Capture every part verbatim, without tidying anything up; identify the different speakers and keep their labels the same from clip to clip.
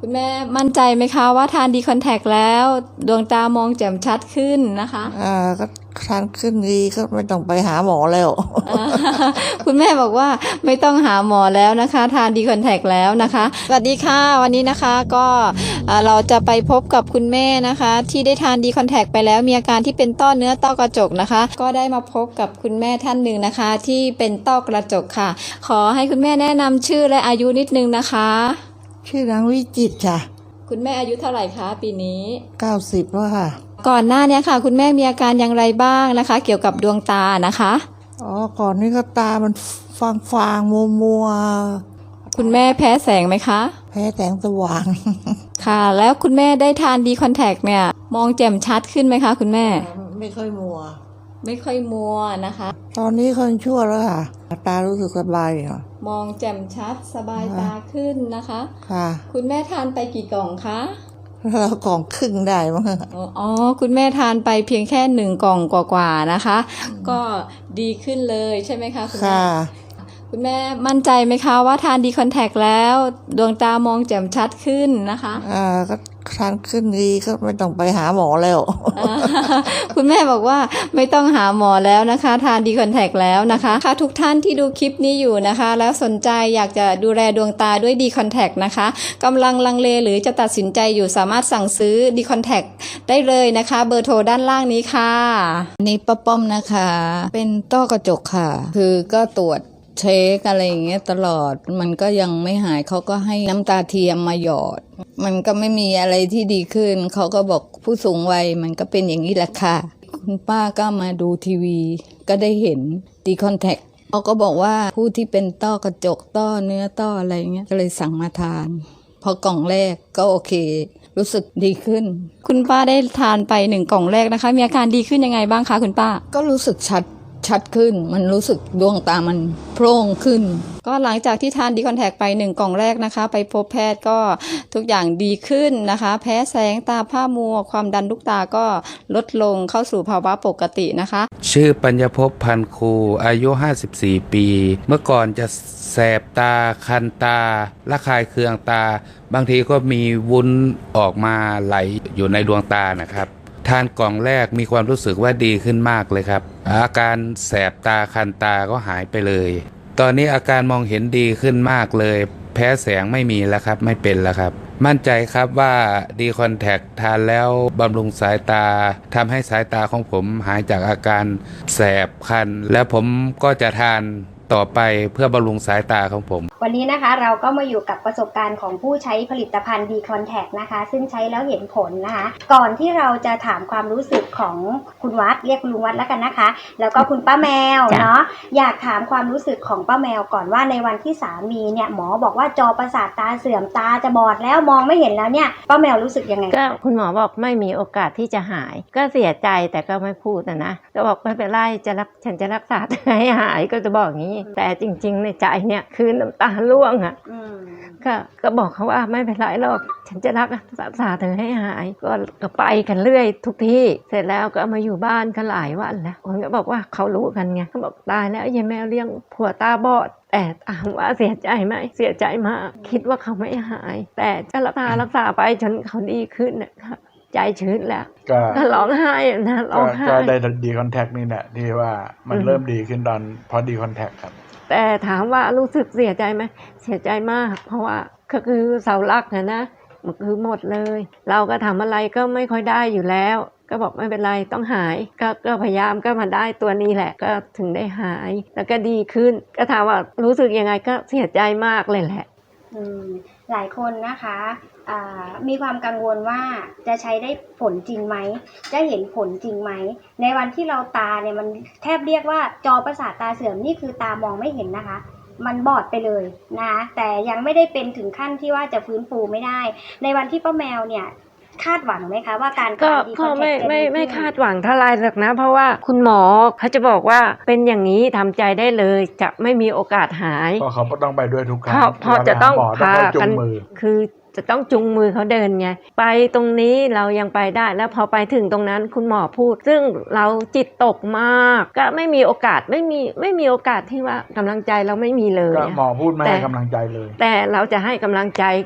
Speaker 1: คุณแม่มั่นใจไหมคะว่าทานดีคอนแทคแล้วดวงตามองแจ่มชัดขึ้นนะคะ
Speaker 2: อ่าก็ทานขึ้นดีก็ไม่ต้องไปหาหมอแล้ว
Speaker 1: คุณแม่บอกว่าไม่ต้องหาหมอแล้วนะคะทานดีคอนแทคแล้วนะคะสวัสดีค่ะวันนี้นะคะก็เราจะไปพบกับคุณแม่นะคะที่ได้ทานดีคอนแทคไปแล้วมีอาการที่เป็นต้อเนื้อต้อกระจกนะคะก็ได้มาพบกับคุณแม่ท่านหนึ่งนะคะที่เป็นต้อกระจกค่ะขอให้คุณแม่แนะนำชื่อและอายุนิดนึงนะคะ
Speaker 2: ชื่อนางวิจิตรค่ะ
Speaker 1: คุณแม่อายุเท่าไหร่คะปีนี้
Speaker 2: เก้าสิบแล้วค่ะ
Speaker 1: ก่อนหน้านี้ค่ะคุณแม่มีอาการอย่างไรบ้างนะคะเกี่ยวกับดวงตานะคะ
Speaker 2: อ๋อก่อนนี้ก็ตามันฟางฟางมัวมัว
Speaker 1: คุณแม่แพ้แสงไหมคะ
Speaker 2: แพ้แสงสว่าง
Speaker 1: ค่ะแล้วคุณแม่ได้ทานดีคอนแทคเนี่ยมองแจ่มชัดขึ้นไหมคะคุณแม่
Speaker 2: ไม่ค่อยมัว
Speaker 1: ไม่ค่อยมัวนะคะ
Speaker 2: ตอนนี้คนชั่วแล้วค่ะตารู้สึกสบายค่ะ
Speaker 1: มองแจ่มชัดสบายตาขึ้นนะคะ
Speaker 2: ค่ะ
Speaker 1: คุณแม่ทานไปกี่กล่องคะ
Speaker 2: เรากล่องครึ่งได้มั้ง
Speaker 1: อ๋อคุณแม่ทานไปเพียงแค่หนึ่งกล่องกว่าๆนะคะก็ดีขึ้นเลยใช่ไหมคะคุณแม่คุณแม่มั่นใจไหมคะว่าทานดีคอนแทคแล้วดวงตามองแจ่มชัดขึ้นนะคะ
Speaker 2: อ่าก็ทานขึ้นดีก็ไม่ต้องไปหาหมอแล้ว
Speaker 1: คุณแม่บอกว่าไม่ต้องหาหมอแล้วนะคะทานดีคอนแทคแล้วนะคะค่ะทุกท่านที่ดูคลิปนี้อยู่นะคะแล้วสนใจอยากจะดูแลดวงตาด้วยดีคอนแทคนะคะกำลังลังเลหรือจะตัดสินใจอยู่สามารถสั่งซื้อดีคอนแทคได้เลยนะคะเบอร์โทรด้านล่างนี้ค่ะ
Speaker 3: นี่ป้าป้อมนะคะเป็นต้อกระจกค่ะคือก็ตรวจเช็คอะไรอย่างเงี้ยตลอดมันก็ยังไม่หายเขาก็ให้น้ำตาเทียมมาหยอดมันก็ไม่มีอะไรที่ดีขึ้นเขาก็บอกผู้สูงวัยมันก็เป็นอย่างนี้แหละค่ะคุณป้าก็มาดูทีวีก็ได้เห็นดีคอนแทคเขาก็บอกว่าผู้ที่เป็นต้อกระจกต้อเนื้อต้ออะไรเงี้ยก็เลยสั่งมาทานพอกล่องแรกก็โอเครู้สึกดีขึ้น
Speaker 1: คุณป้าได้ทานไปหนึ่งกล่องแรกนะคะมีอาการดีขึ้นยังไงบ้างคะคุณป้า
Speaker 3: ก็รู้สึกชัดชัดขึ้นมันรู้สึกดวงตามันโพร่งขึ้น
Speaker 1: ก็หลังจากที่ทานดีคอนแทคไปหนึ่งกล่องแรกนะคะไปพบแพทย์ก็ทุกอย่างดีขึ้นนะคะแพ้แสงตาผ้ามัวความดันลูกตาก็ลดลงเข้าสู่ภาวะปกตินะคะ
Speaker 4: ชื่อปัญญภพพันคูอายุห้าสิบสี่ปีเมื่อก่อนจะแสบตาคันตาระคายเคืองตาบางทีก็มีวุ้นออกมาไหลอยู่ในดวงตานะครับทานกล่องแรกมีความรู้สึกว่าดีขึ้นมากเลยครับอาการแสบตาคันตาก็หายไปเลยตอนนี้อาการมองเห็นดีขึ้นมากเลยแพ้แสงไม่มีแล้วครับไม่เป็นแล้วครับมั่นใจครับว่าดีคอนแทคทานแล้วบำรุงสายตาทำให้สายตาของผมหายจากอาการแสบคันและผมก็จะทานต่อไปเพื่อบำรุงสายตาของผม
Speaker 5: วันนี้นะคะเราก็มาอยู่กับประสบการณ์ของผู้ใช้ผลิตภัณฑ์ดีคอนแทคนะคะซึ่งใช้แล้วเห็นผลนะคะก่อนที่เราจะถามความรู้สึกของคุณวัดเรียกคุณลุงวัดแล้วกันนะคะแล้วก็คุณป้าแมวเนาะอยากถามความรู้สึกของป้าแมวก่อนว่าในวันที่สามีเนี่ยหมอบอกว่าจอประสาทตาเสื่อมตาจะบอดแล้วมองไม่เห็นแล้วเนี่ยป้าแมวรู้สึกยังไง
Speaker 6: ก็คุณหมอบอกไม่มีโอกาสที่จะหายก็เสียใจแต่ก็ไม่พูดนะนะก็บอกไม่เป็นไรจะรักฉันจะรักษาให้หายก็จะบอกอย่างนี้แต่จริงๆในใจเนี่ยคือน้ำตาร่วงอ่ะก็ก็บอกเขาว่าไม่เป็นไรหรอกฉันจะรักษาเธอให้หายก็ก็ไปกันเรื่อยทุกที่เสร็จแล้วก็มาอยู่บ้านกันหลายวันแล้วคนก็บอกว่าเขารู้กันไงเขาบอกตายแล้วยายแมวเลี้ยงผัวตาบอดแต่ถามว่าเสียใจไหมเสียใจมากคิดว่าเขาไม่หายแต่จะรักษารักษาไปจนเขาดีขึ้นนะคะใจชื้นแล้วก็ร้องไห้นะร้องไห้
Speaker 7: ก็ได้ดีคอนแทคนี่แหละที่ว่ามันเริ่มดีขึ้นตอนพอดีคอนแทคครับ
Speaker 6: แต่ถามว่ารู้สึกเสียใจไหมเสียใจมากเพราะว่าก็คือเสาหลักนะนะมันคือหมดเลยเราก็ทำอะไรก็ไม่ค่อยได้อยู่แล้วก็บอกไม่เป็นไรต้องหายก็ก็พยายามก็มาได้ตัวนี้แหละก็ถึงได้หายแล้วก็ดีขึ้นก็ถามว่ารู้สึกยังไงก็เสียใจมากเลยแหละ
Speaker 5: อืมหลายคนนะคะมีความกังวลว่าจะใช้ได้ผลจริงไหมจะเห็นผลจริงไหมในวันที่เราตาเนี่ยมันแทบเรียกว่าจอประสาทตาเสื่อมนี่คือตามองไม่เห็นนะคะมันบอดไปเลยนะแต่ยังไม่ได้เป็นถึงขั้นที่ว่าจะฟื้นฟูไม่ได้ในวันที่ป้าแมวเนี่ยคาดหวังไหมคะว่าการ
Speaker 6: ก็ก็ไม่ไม่ไม่คาดหวังเท่าไรหรอกนะเพราะว่าคุณหมอเขาจะบอกว่าเป็นอย่างนี้ทำใจได้เลยจะไม่มีโอกาสหาย
Speaker 7: เพราะเขาต้องไปด้วยทุกครั้ง
Speaker 6: เพราะจะต้องพากันคือ จะต้องจุงมือเขาเดินไงไปตรงนี้เรายังไปได้แล้วพอไปถึงตรงนั้นคุณหมอพูดซึ่งเราจิตตกมากก็ไม่มีโอกาสไม่มีไม่มีโอกาสที่ว่ากำลังใจเราไม่มีเลย
Speaker 7: ก็หมอพูดไม่ให้กำลังใจเลย
Speaker 6: แต่เราจะให้กำลังใจ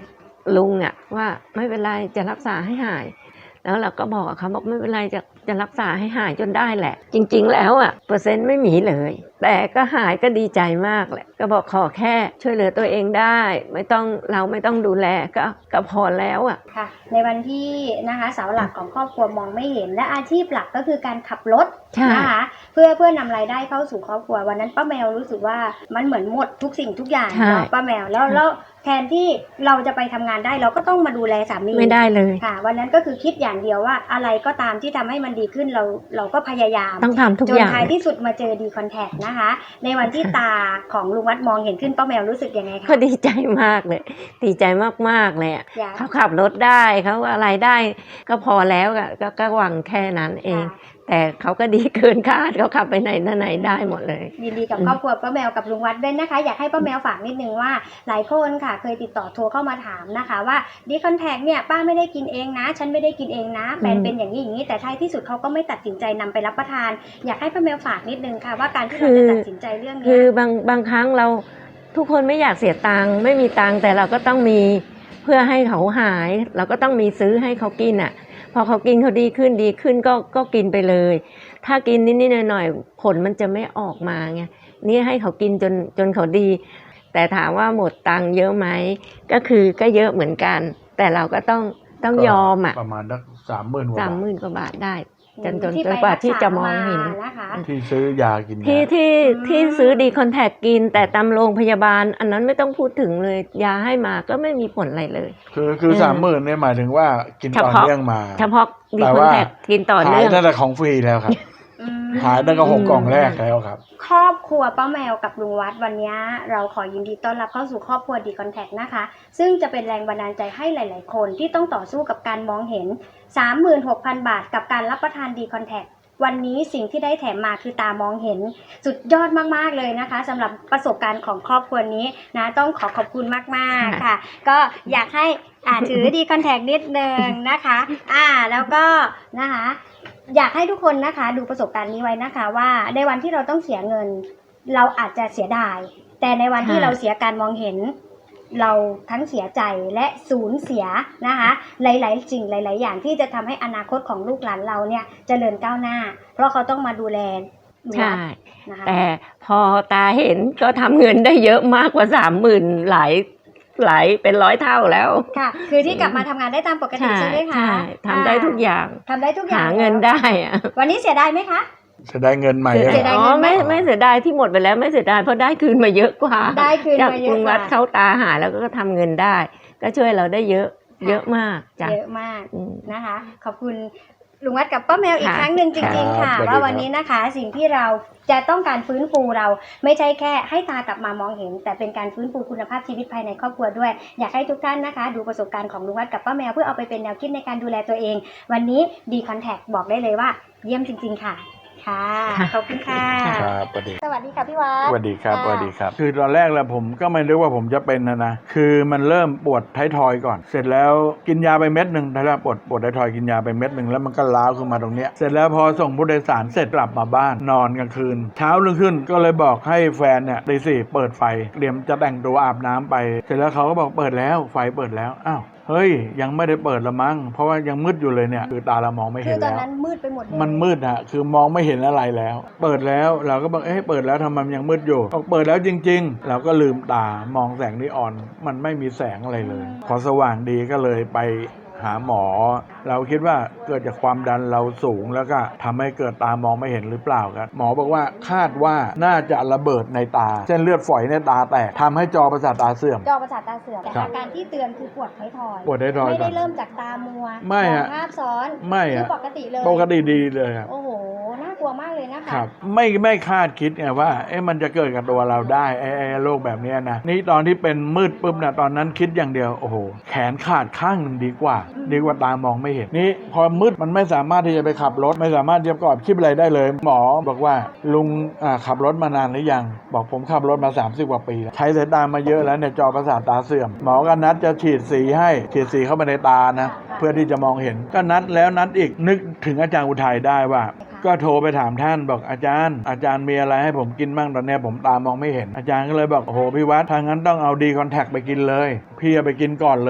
Speaker 6: ลุงอ่ะว่าไม่เป็นไรจะรักษาให้หายแล้วเราก็บอกเขาบอกไม่เป็นไรจะจะรักษาให้หายจนได้แหละจริงๆแล้วอ่ะเปอร์เซ็นต์ไม่มีเลยแต่ก็หายก็ดีใจมากแหละก็บอกขอแค่ช่วยเหลือตัวเองได้ไม่ต้องเราไม่ต้องดูแลก็ก็พอแล้วอ่ะ
Speaker 5: ค่ะในวันที่นะคะเสาหลักของครอบครัวมองไม่เห็นและอาชีพหลักก็คือการขับรถนะคะเพื่อเพื่อนำรายได้เข้าสู่ครอบครัววันนั้นป้าแมวรู้สึกว่ามันเหมือนหมดทุกสิ่งทุกอย่างเนาะป้าแมวแล้วแล้วแทนที่เราจะไปทำงานได้เราก็ต้องมาดูแลสามี
Speaker 6: ไม่ได้เลย
Speaker 5: ค่ะวันนั้นก็คือคิดอย่างเดียวว่าอะไรก็ตามที่ทำให้มันดีขึ้นเราเราก็พยายาม
Speaker 6: ต้องทำทุกอย่าง
Speaker 5: จนท้ายที่สุดมาเจอดีคอนแทคนะคะในวันที่ตาของลุงวัดมองเห็นขึ้นป้าแมวรู้สึกยังไงคะ
Speaker 6: ก็ดีใจมากเลยดีใจมากๆเลยเขาขับรถได้เขาอะไรได้ก็พอแล้วก็ก็หวังแค่นั้นเองแต่เขาก็ดีเกินคาดเขาขับไปไหนไหนได้หมดเลย
Speaker 5: ยินดีกับครอบครัวป้าแมวกับลุงวัดด้วยนะคะอยากให้ป้าแมวฝากนิดนึงว่าหลายคนค่ะเคยติดต่อโทรเข้ามาถามนะคะว่าดีคอนแทคเนี่ยป้าไม่ได้กินเองนะฉันไม่ได้กินเองนะแบรนด์เป็นอย่างนี้อย่างนี้แต่ท้ายที่สุดเขาก็ไม่ตัดสินใจนำไปรับประทานอยากให้ป้าแมวฝากนิดนึงค่ะว่าการที่เราจะตัดสินใจเรื่องนี้
Speaker 6: คือบางบางครั้งเราทุกคนไม่อยากเสียตังค์ไม่มีตังค์แต่เราก็ต้องมีเพื่อให้เขาหายเราก็ต้องมีซื้อให้เขากินอ่ะพอเขากินเขาดีขึ้นดีขึ้นก็ก็กินไปเลยถ้ากินนิดๆหน่อยๆผลมันจะไม่ออกมาไงนี่ให้เขากินจนจนเขาดีแต่ถามว่าหมดตังค์เยอะไหมก็คือก็เยอะเหมือนกันแต่เราก็ต้องต้องยอมอ่ะ
Speaker 7: ประมาณสักสามหมื่นกว่า
Speaker 6: สามหมื่นกว่าบาทได้จนจนจนกว่าที่จะมองเห็น
Speaker 7: ที่ซื้อยากิน
Speaker 6: ที่ที่ที่ซื้อดีคอนแทคกินแต่ตามโรงพยาบาลอันนั้นไม่ต้องพูดถึงเลยยาให้มาก็ไม่มีผลอะไรเลย
Speaker 7: คือคือสามหมื่นเนี่ยหมายถึงว่ากินต่อเนื่องมา
Speaker 6: เฉพาะดีคอนแทคกินต่อเนื่อง
Speaker 7: หายตั้งแต่ของฟรีแล้วครับหายตั้งแต่หกกล่องแรกแล้วครับ
Speaker 5: ครอบครัวป้าแมวกับลุงวัดวันนี้เราขอยินดีต้อนรับเข้าสู่ครอบครัวดีคอนแทคนะคะซึ่งจะเป็นแรงบันดาลใจให้หลายๆคนที่ต้องต่อสู้กับการมองเห็น สามหมื่นหกพัน บาทกับการรับประทานดีคอนแทควันนี้สิ่งที่ได้แถมมาคือตามองเห็นสุดยอดมากๆเลยนะคะสำหรับประสบการณ์ของครอบครัวนี้นะต้องขอขอบคุณมากๆค่ะก็อยากให้อ่าถือดีคอนแทคนิดนึงนะคะอ่าแล้วก็นะคะอยากให้ทุกคนนะคะดูประสบการณ์นี้ไว้นะคะว่าในวันที่เราต้องเสียเงินเราอาจจะเสียดายแต่ในวันที่เราเสียการมองเห็นเราทั้งเสียใจและสูญเสียนะคะหลายๆสิ่งหลายๆอย่างที่จะทำให้อนาคตของลูกหลานเราเนี่ยเจริญก้าวหน้าเพราะเขาต้องมาดูแล
Speaker 6: ใช่นะคะแต่พอตาเห็นก็ทำเงินได้เยอะมากกว่าสามหมื่นหลายหลายเป็นร้อยเท่าแล้ว
Speaker 5: ค่ะคือที่กลับมาทำงานได้ตามปกติใช่ไหมคะ
Speaker 6: ใช่ทำได้ทุกอย่าง
Speaker 5: ทำได้ทุกอย่าง
Speaker 6: หาเงินได้อะ
Speaker 5: วันนี้เสียดายไหมคะ
Speaker 7: เสียดายเงินใหม่
Speaker 6: อ๋อไม่ไม่เสียดายที่หมดไปแล้วไม่เสียดายเพราะได้คืนมาเยอะกว่า
Speaker 5: ได้คืนมาเยอะกว่าจาก
Speaker 6: คุณวัดเข้าตาหาแล้วก็ทำเงินได้ก็ช่วยเราได้เยอะเยอะมาก
Speaker 5: เยอะมากนะคะขอบคุณลุงวัดกับป้าแมวอีกครั้งหนึ่งจริงๆค่ะว่าวันนี้นะคะสิ่งที่เราจะต้องการฟื้นฟูเราไม่ใช่แค่ให้ตากลับมามองเห็นแต่เป็นการฟื้นฟูคุณภาพชีวิตภายในครอบครัวด้วยอยากให้ทุกท่านนะคะดูประสบการณ์ของลุงวัดกับป้าแมวเพื่อเอาไปเป็นแนวคิดในการดูแลตัวเองวันนี้ดีคอนแทคบอกได้เลยว่าเยี่ยมจริงๆค่ะค่ะขอบคุณค่ะ
Speaker 7: ครับสวัสดี
Speaker 5: สวัสดีค่ะพี่วัด
Speaker 7: สวัสดีครับสวัสดีครับคือตอนแรกแล้วผมก็ไม่รู้ว่าผมจะเป็นนะนะคือมันเริ่มปวดท้ายทอยก่อนเสร็จแล้วกินยาไปเม็ดหนึ่งแล้วปวดปวดท้ายทอยกินยาไปเม็ดหนึ่งแล้วมันก็ล้าวขึ้นมาตรงเนี้ยเสร็จแล้วพอส่งผู้โดยสารเสร็จกลับมาบ้านนอนกลางคืนเช้ารุ่งขึ้นก็เลยบอกให้แฟนเนี่ยตีสี่เปิดไฟเตรียมจะแต่งตัวอาบน้ำไปเสร็จแล้วเขาก็บอกเปิดแล้วไฟเปิดแล้วอ้าวเฮ้ยยังไม่ได้เปิดละมั้งเพราะว่ายังมืดอยู่เลยเนี่ยคือตาเรามองไม่เห็นแล้วคือตอน
Speaker 5: นั้นมืดไปหมดเลย
Speaker 7: มันมืดอะคือมองไม่เห็นอะไรแล้วเปิดแล้วเราก็บอกเอ๊ะเปิดแล้วทำไมมันยังมืดอยู่บอกเปิดแล้วจริงๆเราก็ลืมตามองแสงนีออนมันไม่มีแสงอะไรเลยพอสว่างดีก็เลยไปหาหมอเราคิดว่าเกิดจากความดันเราสูงแล้วก็ทำให้เกิดตามองไม่เห็นหรือเปล่าครับหมอบอกว่าคาดว่าน่าจะระเบิดในตาเส้นเลือดฝอยในตาแตกทำให้จอประสาทตาเสื่อม
Speaker 5: จอประสาทตาเสื่อมแต่อาการที่เตือนคือปวดท้ายทอย
Speaker 7: ปวดท้ายทอย
Speaker 5: ไม่ได้เริ่มจากตามัว
Speaker 7: ไม่ฮะ
Speaker 5: ภาพซ้อน
Speaker 7: ไม่ฮะ
Speaker 5: ปกติเลย
Speaker 7: ปกติดีเลยครับ
Speaker 5: โอ้โหน่ากลัวมากเลยนะคะ
Speaker 7: ครับไม่ไม่คาดคิดไงว่าเอ๊ะมันจะเกิดกับตัวเราได้ไอ้ไอ้โรคแบบนี้นะนี่ตอนที่เป็นมืดปุ๊บนะตอนนั้นคิดอย่างเดียวโอ้โหแขนขาดข้างหนึ่งดีกว่าดีกว่าตามองไม่เห็นนี่พอมืดมันไม่สามารถที่จะไปขับรถไม่สามารถจะประกอบคลิปอะไรได้เลยหมอบอกว่าลุงขับรถมานานหรือยังบอกผมขับรถมาสามสิบกว่าปีใช้สายตามาเยอะแล้วเนี่ยจอประสาทตาเสื่อมหมอก็นัดจะฉีดสีให้ฉีดสีเข้าไปในตานะเพื่อที่จะมองเห็นก็นัดแล้วนัดอีกนึกถึงอาจารย์อุทัยได้ว่าก็โทรไปถามท่านบอกอาจารย์อาจารย์มีอะไรให้ผมกินบ้างตอนนี้ผมตามองไม่เห็นอาจารย์ก็เลยบอกโอ้โหพี่วัดทางนั้นต้องเอาดีคอนแทคไปกินเลยพี่เอาไปกินก่อนเลย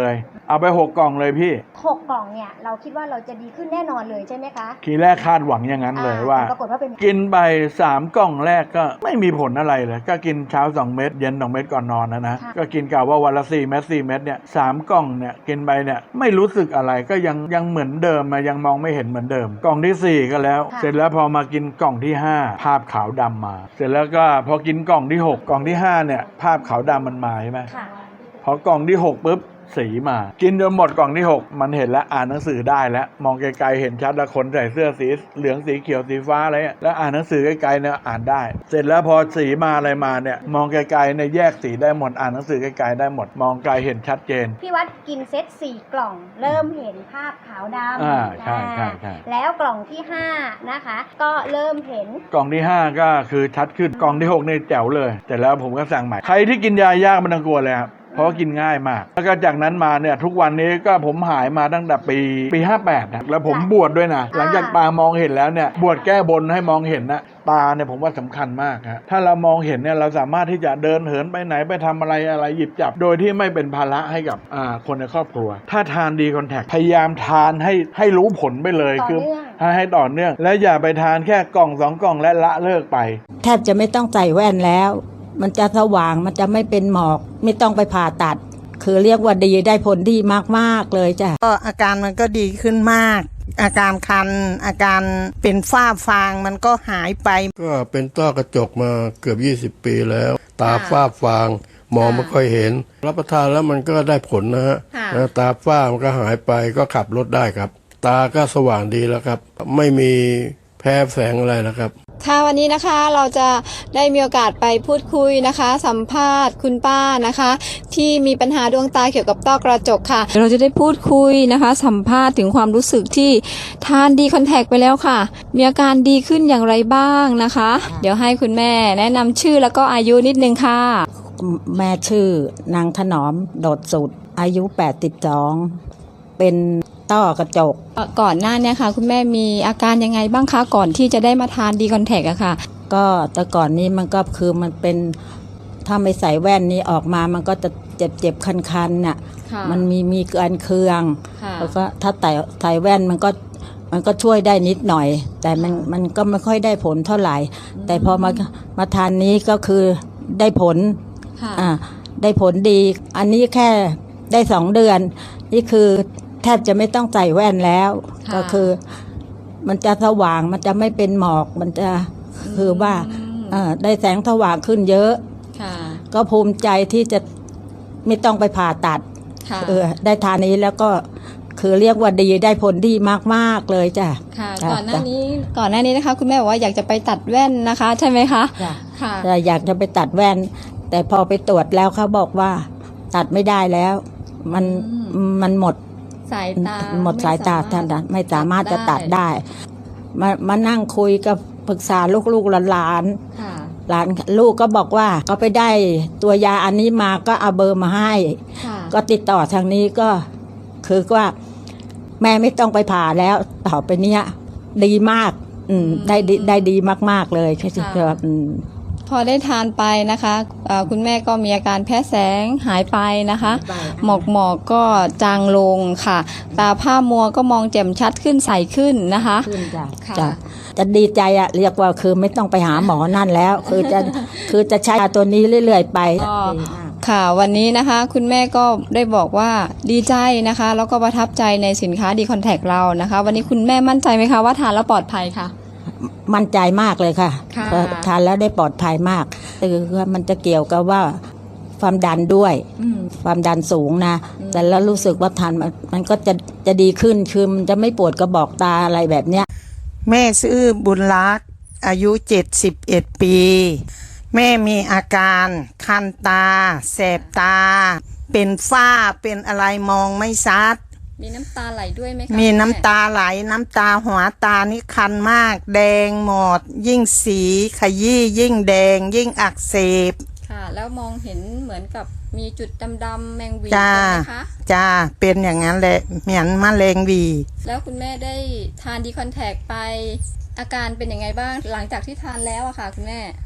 Speaker 7: เอาไปหกกล่องเลยพี่
Speaker 5: หกกล่องเนี่ยเราคิดว่าเราจะดีขึ้นแน่นอนเลยใช่ไหมคะ
Speaker 7: ทีแรกคาดหวังอย่างนั้นเลย
Speaker 5: อ่
Speaker 7: ว่า
Speaker 5: แต่ปรากฏว่าเป็น
Speaker 7: กินไปสามกล่องแรกก็ไม่มีผลอะไรเลยก็กินเช้าสองเม็ดเย็นสองเม็ดก่อนนอนนะนะ
Speaker 5: ค่ะ
Speaker 7: ก็กินกะว่าวันละสี่เม็ดสี่เม็ดเนี่ยสามกล่องเนี่ยกินไปเนี่ยไม่รู้สึกอะไรก็ยังยังเหมือนเดิมมายังมองไม่เห็นเหมือนเดิม กล่องที่สี่ก็แล้ว
Speaker 5: ค่ะ
Speaker 7: เสร็จแล้วพอมากินกล่องที่ห้าภาพขาวดำมา เสร็จแล้วก็พอกินกล่องที่หกกล่องที่ห้าเนี่ยภาพขาวดำมันมาใช่ไหม
Speaker 5: ค่ะ
Speaker 7: พอกล่องที่หกปุ๊บสีมา กินจนหมดกล่องที่หกมันเห็นแล้วอ่านหนังสือได้แล้วมองไกลๆเห็นชัดแล้วคนใส่เสื้อสีเหลืองสีเขียวสีฟ้าอะไรเนี่ยแล้วอ่านหนังสือไกลๆเนี่ยอ่านได้ เสร็จแล้วพอสีมาอะไรมาเนี่ยมองไกลๆเนี่ยแยกสีได้หมดอ่านหนังสือไกลๆได้หมดมองไกลเห็นชัดเจน
Speaker 5: พี่วัดกินเซตสี่กล่อง เริ่มเห็นภาพขาวดำ
Speaker 7: อ่าใช่ใช่ใช่
Speaker 5: แล้วกล่องที่ห้านะคะ ก็เริ่มเห็น
Speaker 7: กล่องที่ห้าก็คือชัดขึ้นกล่องที่หกนี่แจ๋วเลยแต่แล้วผมก็สั่งใหม่ใครที่กินยายากมันต้องกลัวเลยครับเพราะว่ากินง่ายมากแล้วก็จากนั้นมาเนี่ยทุกวันนี้ก็ผมหายมาตั้งแต่ปีปีห้าแปดนะแล้วผมบวชด้วยนะหลังจากตามองเห็นแล้วเนี่ยบวชแก้บนให้มองเห็นนะตาเนี่ยผมว่าสำคัญมากฮะถ้าเรามองเห็นเนี่ยเราสามารถที่จะเดินเหินไปไหนไปทำอะไรอะไรหยิบจับ โดยที่ไม่เป็นภาระให้กับอ่าคนในครอบครัว ถ้าทานดีคอนแทคพยายามทานให้ให้รู้ผลไปเลย
Speaker 5: ต่อ
Speaker 7: คื
Speaker 5: เนื่อง
Speaker 7: ให้ให้ต่อเนื่อง และอย่าไปทานแค่กล่องสองกล่องและละเลิกไป
Speaker 3: แทบจะไม่ต้องใส่แว่นแล้ว มันจะสว่างมันจะไม่เป็นหมอก ไม่ต้องไปผ่าตัด คือเรียกว่าดีได้ผลดีมากๆเลยจ้ะ
Speaker 2: ก็อาการมันก็ดีขึ้นมาก อาการคัน อาการเป็นฝ้าฟางมันก็หายไป
Speaker 8: ก็เป็นต้อกระจกมาเกือบยี่สิบปีแล้ว ตาฝ้าฟางมองไม่ค่อยเห็น รับประทานแล้วมันก็ได้ผลนะฮะ
Speaker 1: ค่ะ
Speaker 8: นะตาฝ้ามันก็หายไปก็ขับรถได้ครับ ตาก็สว่างดีแล้วครับ ไม่มีแพ้แสงอะไรนะครับ
Speaker 1: ค่ะวันนี้นะคะเราจะได้มีโอกาสไปพูดคุยนะคะ สัมภาษณ์คุณป้านะคะ ที่มีปัญหาดวงตาเกี่ยวกับต้อกระจกค่ะ เราจะได้พูดคุยนะคะ สัมภาษณ์ถึงความรู้สึกที่ทานดีคอนแทคไปแล้วค่ะ มีอาการดีขึ้นอย่างไรบ้างนะคะ เดี๋ยวให้คุณแม่แนะนำชื่อแล้วก็อายุนิดนึงค่ะ
Speaker 3: แม่ชื่อนางถนอมโดดสุดอายุแปดสิบสองเป็นต้อกระจก
Speaker 1: ก่อนหน้าเนี้ค่ะ คุณแม่มีอาการยังไงบ้างคะก่อนที่จะได้มาทานดีคอนแทคอะค่ะ
Speaker 3: ก็แต่ก่อนนี้มันก็คือมันเป็นถ้าไม่ใส่แว่นนี้ออกมามันก็จะเจ็บเจ็บคันคันน่ะ
Speaker 1: ค่ะ
Speaker 3: มันมีมีเกินเคือง
Speaker 1: ค่ะ
Speaker 3: แล้วก็ถ้าใส่ใส่แว่นมันก็มันก็ช่วยได้นิดหน่อย แต่มันมันก็ไม่ค่อยได้ผลเท่าไหร่ แต่พอมามาทานนี้ก็คือได้ผล
Speaker 1: ค่ะ
Speaker 3: อ่าได้ผลดี อันนี้แค่ได้สองเดือน นี่คือแทบจะไม่ต้องใส่แว่นแล้ว
Speaker 1: ค่ะ
Speaker 3: ก็คือ มันจะสว่างมันจะไม่เป็นหมอกมันจะคือว่าเอ่อได้แสงสว่างขึ้นเยอะ
Speaker 1: ค่ะ
Speaker 3: ก็ภูมิใจที่จะไม่ต้องไปผ่าตัด
Speaker 1: ค่ะ
Speaker 3: เออได้ทานนี้แล้วก็คือเรียกว่าดีได้ผลดีมากๆเลยจ้ะ
Speaker 1: ค่ะ
Speaker 3: จ้ะ
Speaker 1: ก่อนหน้านี้ก่อนหน้านี้นะคะ คุณแม่บอกว่าอยากจะไปตัดแว่นนะคะ ใช่ไหมคะ
Speaker 3: จ้ะ
Speaker 1: ค่ะ
Speaker 3: แต่อยากจะไปตัดแว่น แต่พอไปตรวจแล้วเขาบอกว่า ตัดไม่ได้แล้ว มันมันหมด
Speaker 1: สายตา
Speaker 3: หมดสายตาท่านนะไม่สามารถจะตัดได้ มามานั่งคุยกับปรึกษาลูกๆหลาน
Speaker 1: ค่ะ
Speaker 3: ๆหลานลูกก็บอกว่าก็ไปได้ตัวยาอันนี้มาก็เอาเบอร์มาให้
Speaker 1: ค่ะ
Speaker 3: ก็ติดต่อทางนี้ก็คือว่าแม่ไม่ต้องไปผ่าแล้วต่อไปเนี้ยดีมาก อืมได้ดีได้ดีมากๆเลยคือคืออืม
Speaker 1: พอได้ทานไปนะคะเอ่อคุณแม่ก็มีอาการแพ้แสงหายไปนะคะ หมอกหมอกก็จางลงค่ะ ตาผ้ามัวก็มองแจ่มชัดขึ้นใสขึ้นนะคะ
Speaker 3: ขึ้นจ้ะ
Speaker 1: ค่ะ
Speaker 3: จ้ะจะดีใจอะเรียกว่าคือไม่ต้องไปหาหมอนั่นแล้ว คือจะคือจะใช้ยาตัวนี้เรื่อยๆไป
Speaker 1: ก็ ค่ะวันนี้นะคะ คุณแม่ก็ได้บอกว่าดีใจนะคะ แล้วก็ประทับใจในสินค้าดีคอนแทคเรานะคะ วันนี้คุณแม่มั่นใจไหมคะว่าทานแล้วปลอดภัยค่ะ
Speaker 3: มั่นใจมากเลยค่ะ
Speaker 1: ค่ะ
Speaker 3: เพราะทานแล้วได้ปลอดภัยมากคือว่ามันจะเกี่ยวกับว่าความดันด้วย
Speaker 1: อืม
Speaker 3: ความดันสูงนะ แต่แล้วรู้สึกว่าทานมันมันก็จะจะดีขึ้น คือมันจะไม่ปวดกระบอกตาอะไรแบบเนี้ย
Speaker 2: แม่ชื่อบุญรักษ์อายุเจ็ดสิบเอ็ดปี แม่มีอาการคันตา แสบตา เป็นฝ้าเป็นอะไรมองไม่ชัด
Speaker 1: มีน้ำตาไหลด้วยไหมคะ
Speaker 2: มีน้ำตาไหลน้ำตาหัวตานี่คันมาก แดงหมด ยิ่งสีขยี้ยิ่งแดง ยิ่งอักเสบ
Speaker 1: ค่ะ แล้วมองเห็นเหมือนกับมีจุดดำๆแมงวี
Speaker 2: จ้า
Speaker 1: ใช่ไหมคะ
Speaker 2: จ้าเป็นอย่างนั้นแหละเหมือนมะเร็งหวี
Speaker 1: แล้วคุณแม่ได้ทานดีคอนแทคไปอาการเป็นยังไงบ้างหลังจากที่ทานแล้วอะค่ะคุณแม่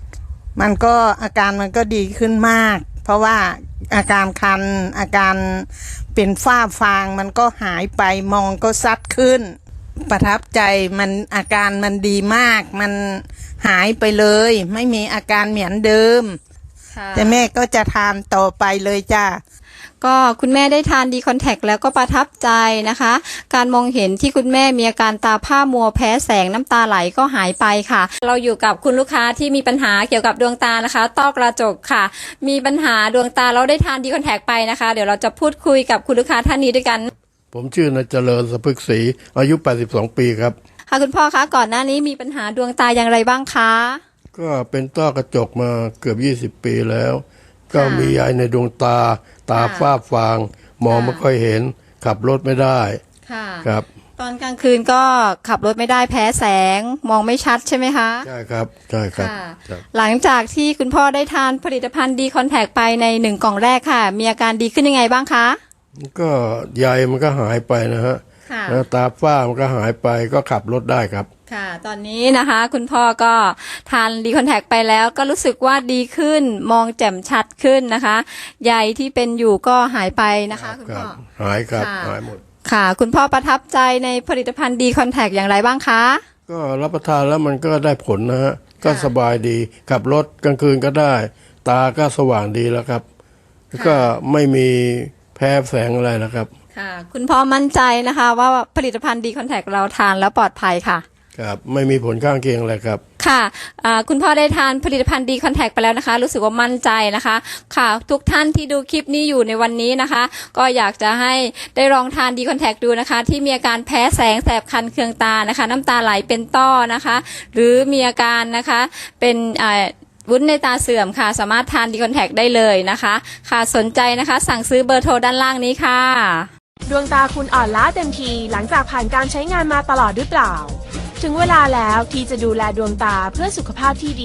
Speaker 2: มันก็อาการมันก็ดีขึ้นมาก เพราะว่าอาการคันอาการเป็นฝ้าฟางมันก็หายไปมองก็ซัดขึ้นประทับใจมันอาการมันดีมากมันหายไปเลยไม่มีอาการเหมือนเดิมแต่แม่ก็จะทานต่อไปเลยจ้า
Speaker 1: ก็คุณแม่ได้ทานดีคอนแทคแล้วก็ประทับใจนะคะ การมองเห็นที่คุณแม่มีอาการตาผ้ามัวแพ้แสงน้ำตาไหลก็หายไปค่ะ เราอยู่กับคุณลูกค้าที่มีปัญหาเกี่ยวกับดวงตานะคะต้อกระจกค่ะมีปัญหาดวงตาเราได้ทานดีคอนแทคไปนะคะเดี๋ยวเราจะพูดคุยกับคุณลูกค้าท่านนี้ด้วยกัน
Speaker 8: ผมชื่อนายเจริญสะพึกศรีอายุแปดสิบสองปีครับ
Speaker 1: ค่ะคุณพ่อคะก่อนหน้านี้มีปัญหาดวงตาอย่างไรบ้างคะ
Speaker 8: ก็เป็นต้อกระจกมาเกือบยี่สิบปีแล้วก็มีใยในดวงตาตาฝ้าฟางมองไม่ค่อยเห็นขับรถไม่ได้ครับ
Speaker 1: ตอนกลางคืนก็ขับรถไม่ได้แพ้แสงมองไม่ชัดใช่ไหมคะ
Speaker 8: ใช่ครับใช่ครับ
Speaker 1: หลังจากที่คุณพ่อได้ทานผลิตภัณฑ์ดีคอนแทคไปในหนึ่งกล่องแรกค่ะมีอาการดีขึ้นยังไงบ้างคะ
Speaker 8: ก็ใยมันก็หายไปนะฮะแล้วตาฝ้ามันก็หายไปก็ขับรถได้ครับ
Speaker 1: ค่ะตอนนี้นะคะคุณพ่อก็ทานดีคอนแทคไปแล้วก็รู้สึกว่าดีขึ้นมองแจ่มชัดขึ้นนะคะใยที่เป็นอยู่ก็หายไปนะคะคุณพ่อ
Speaker 8: หายครับหายหมด
Speaker 1: ค่ะคุณพ่อประทับใจในผลิตภัณฑ์ดีคอนแทคอย่างไรบ้างคะ
Speaker 8: ก็รับประทานแล้วมันก็ได้ผลนะฮะก็สบายดีขับรถกลางคืนก็ได้ตาก็สว่างดีแล้วครับก็ไม่มีแพ้แสงอะไรนะครับ
Speaker 1: ค่ะคุณพ่อมั่นใจนะคะว่าผลิตภัณฑ์ดีคอนแทคเราทานแล้วปลอดภัยค่ะ
Speaker 8: ครับไม่มีผลข้างเคียงอะไรครับ
Speaker 1: ค่ะคุณพ่อได้ทานผลิตภัณฑ์ดีคอนแทคไปแล้วนะคะรู้สึกว่ามั่นใจนะคะค่ะทุกท่านที่ดูคลิปนี้อยู่ในวันนี้นะคะก็อยากจะให้ได้ลองทานดีคอนแทคดูนะคะที่มีอาการแพ้แสงแสบคันเคืองตานะคะน้ำตาไหลเป็นต้อนะคะหรือมีอาการนะคะเป็นวุ้นในตาเสื่อมค่ะสามารถทานดีคอนแทคได้เลยนะคะค่ะสนใจนะคะสั่งซื้อเบอร์โทรด้านล่างนี้ค่ะ
Speaker 9: ดวงตาคุณอ่อนล้าเต็มทีหลังจากผ่านการใช้งานมาตลอดหรือเปล่าถึงเวลาแล้วที่จะดูแลดวงตาเพื่อสุขภาพที่ดี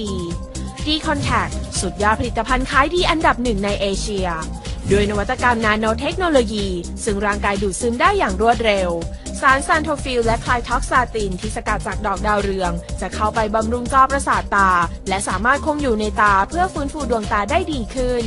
Speaker 9: D Contact สุดยอดผลิตภัณฑ์ขายดีอันดับหนึ่งในเอเชียด้วยนวัตกรรมนาโนเทคโนโลยีซึ่งร่างกายดูดซึมได้อย่างรวดเร็วสารซันโทฟิลและไคลท็อกซาตินที่สกัดจากดอกดาวเรืองจะเข้าไปบำรุงจอประสาทตาและสามารถคงอยู่ในตาเพื่อฟื้นฟูดวงตาได้ดีขึ้น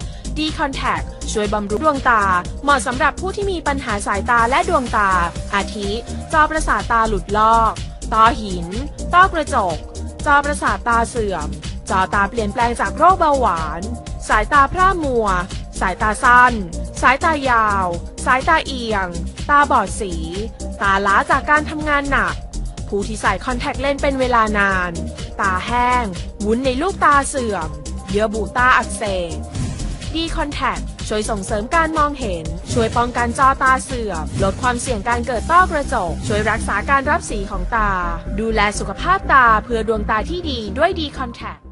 Speaker 9: D Contact ช่วยบำรุงดวงตาเหมาะสำหรับผู้ที่มีปัญหาสายตาและดวงตาอาทิจอประสาทตาหลุดลอกต้อหินต้อกระจกจอประสาทตาเสื่อมจอตาเปลี่ยนแปลงจากโรคเบาหวานสายตาพร่ามัวสายตาสั้นสายตายาวสายตาเอียงตาบอดสีตาล้าจากการทำงานหนักผู้ที่ใส่คอนแทคเลนส์เป็นเวลานานตาแห้งวุ้นในลูกตาเสื่อมเยื่อบุตาอักเสบD Contact ช่วยส่งเสริมการมองเห็นช่วยป้องกันจอตาเสื่อมลดความเสี่ยงการเกิดต้อกระจกช่วยรักษาการรับสีของตาดูแลสุขภาพตาเพื่อดวงตาที่ดีด้วยD Contact